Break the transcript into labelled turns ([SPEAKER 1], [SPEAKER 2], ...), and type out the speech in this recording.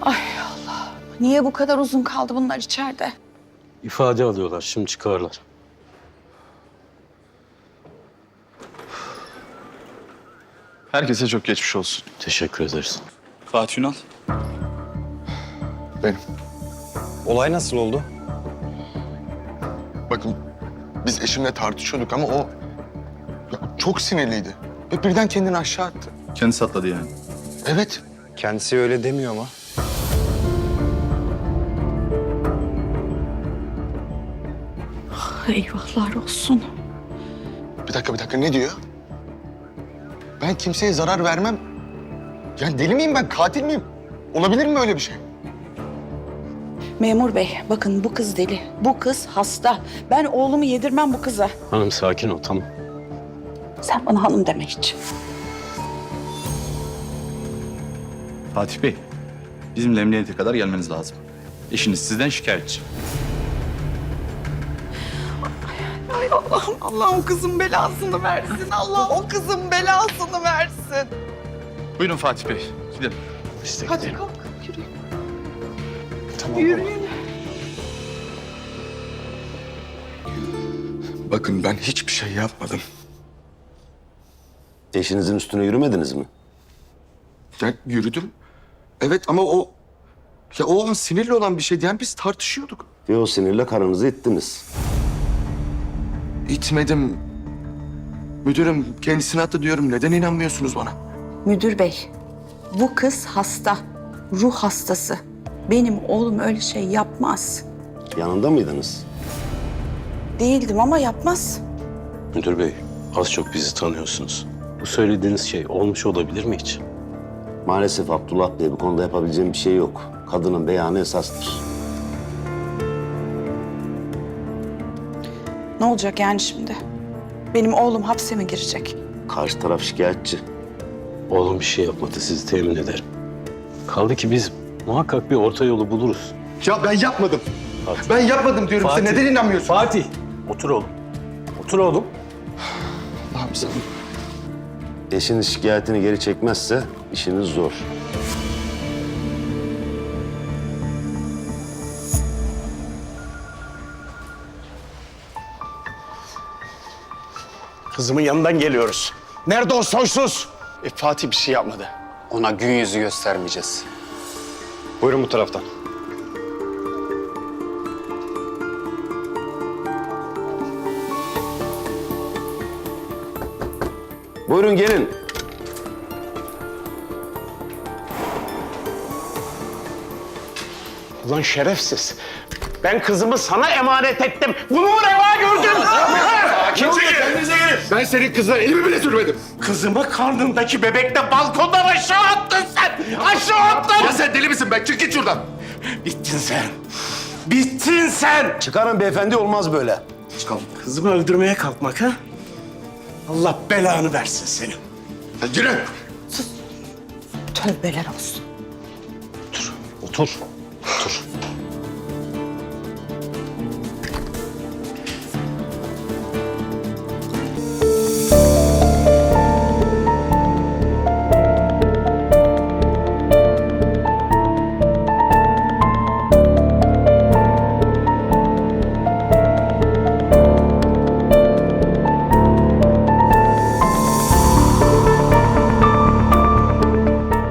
[SPEAKER 1] Ay Allah. Niye bu kadar uzun kaldı bunlar içeride?
[SPEAKER 2] İfade alıyorlar. Şimdi çıkarlar.
[SPEAKER 3] Herkese çok geçmiş olsun.
[SPEAKER 2] Teşekkür ederiz.
[SPEAKER 3] Fatih Ünal.
[SPEAKER 4] Benim.
[SPEAKER 5] Olay nasıl oldu?
[SPEAKER 4] Bakın biz eşimle tartışıyorduk ama o ya, çok sinirliydi. Ve birden kendini aşağı attı.
[SPEAKER 3] Kendisi atladı yani.
[SPEAKER 4] Evet.
[SPEAKER 5] Kendisi öyle demiyor ama.
[SPEAKER 1] Eyvahlar olsun.
[SPEAKER 4] Bir dakika ne diyor? Ben kimseye zarar vermem. Yani deli miyim ben? Katil miyim? Olabilir mi öyle bir şey?
[SPEAKER 1] Memur bey, bakın bu kız deli. Bu kız hasta. Ben oğlumu yedirmem bu kıza.
[SPEAKER 2] Hanım sakin ol, tamam.
[SPEAKER 1] Sen bana hanım deme hiç.
[SPEAKER 3] Fatih Bey, bizimle emniyete kadar gelmeniz lazım. Eşiniz sizden şikayetçi.
[SPEAKER 1] Ay Allah'ım, Allah o kızın belasını versin. Allah o kızın belasını versin.
[SPEAKER 3] Buyurun Fatih Bey, gidelim.
[SPEAKER 2] İşte
[SPEAKER 1] Hadi
[SPEAKER 2] gidelim.
[SPEAKER 1] kalk, yürü.
[SPEAKER 4] Tamam.
[SPEAKER 1] Yürüyün.
[SPEAKER 4] Bakın ben hiçbir şey yapmadım.
[SPEAKER 6] Eşinizin üstüne yürümediniz mi?
[SPEAKER 4] Ya yürüdüm. Evet ama o... Ya o an sinirli olan bir şeydi. Yani biz tartışıyorduk.
[SPEAKER 6] Ve o sinirle karınızı ittiniz.
[SPEAKER 4] İtmedim. Müdürüm kendisine attı diyorum. Neden inanmıyorsunuz bana?
[SPEAKER 1] Müdür bey, bu kız hasta. Ruh hastası. Benim oğlum öyle şey yapmaz.
[SPEAKER 6] Yanında mıydınız?
[SPEAKER 1] Değildim ama yapmaz.
[SPEAKER 2] Müdür bey, az çok bizi tanıyorsunuz. Bu söylediğiniz şey olmuş olabilir mi hiç?
[SPEAKER 6] Maalesef Abdullah Bey, bu konuda yapabileceğim bir şey yok. Kadının beyanı esastır.
[SPEAKER 1] Ne olacak yani şimdi? Benim oğlum hapse mi girecek?
[SPEAKER 6] Karşı taraf şikayetçi.
[SPEAKER 2] Oğlum bir şey yapmadı, sizi temin ederim. Kaldı ki biz muhakkak bir orta yolu buluruz.
[SPEAKER 4] Ya ben yapmadım.
[SPEAKER 2] Fatih.
[SPEAKER 4] Ben yapmadım diyorum size. Neden inanmıyorsunuz?
[SPEAKER 2] Fatih! Otur oğlum. Otur oğlum.
[SPEAKER 4] Allah'ım sen...
[SPEAKER 6] Eşiniz şikayetini geri çekmezse işiniz zor.
[SPEAKER 7] Kızımın yanından geliyoruz. Nerede o soysuz?
[SPEAKER 5] Fatih bir şey yapmadı. Ona gün yüzü göstermeyeceğiz. Buyurun bu taraftan.
[SPEAKER 6] Buyurun gelin.
[SPEAKER 7] Ulan şerefsiz. Ben kızımı sana emanet ettim. Bunu reva gördüm.
[SPEAKER 4] Kendinize gelin. Ben senin kızına elimi bile sürmedim.
[SPEAKER 7] Kızımı karnındaki bebekle balkondan aşağı attın sen. Aşağı attın.
[SPEAKER 4] Ya sen deli misin be? Çık git şuradan.
[SPEAKER 7] Bittin sen. Bittin sen.
[SPEAKER 6] Çıkarın beyefendi, olmaz böyle.
[SPEAKER 7] Kızımı öldürmeye kalkmak ha? Allah belanı versin senin.
[SPEAKER 4] Ya yürü.
[SPEAKER 1] Tövbeler olsun.
[SPEAKER 2] Otur. Otur.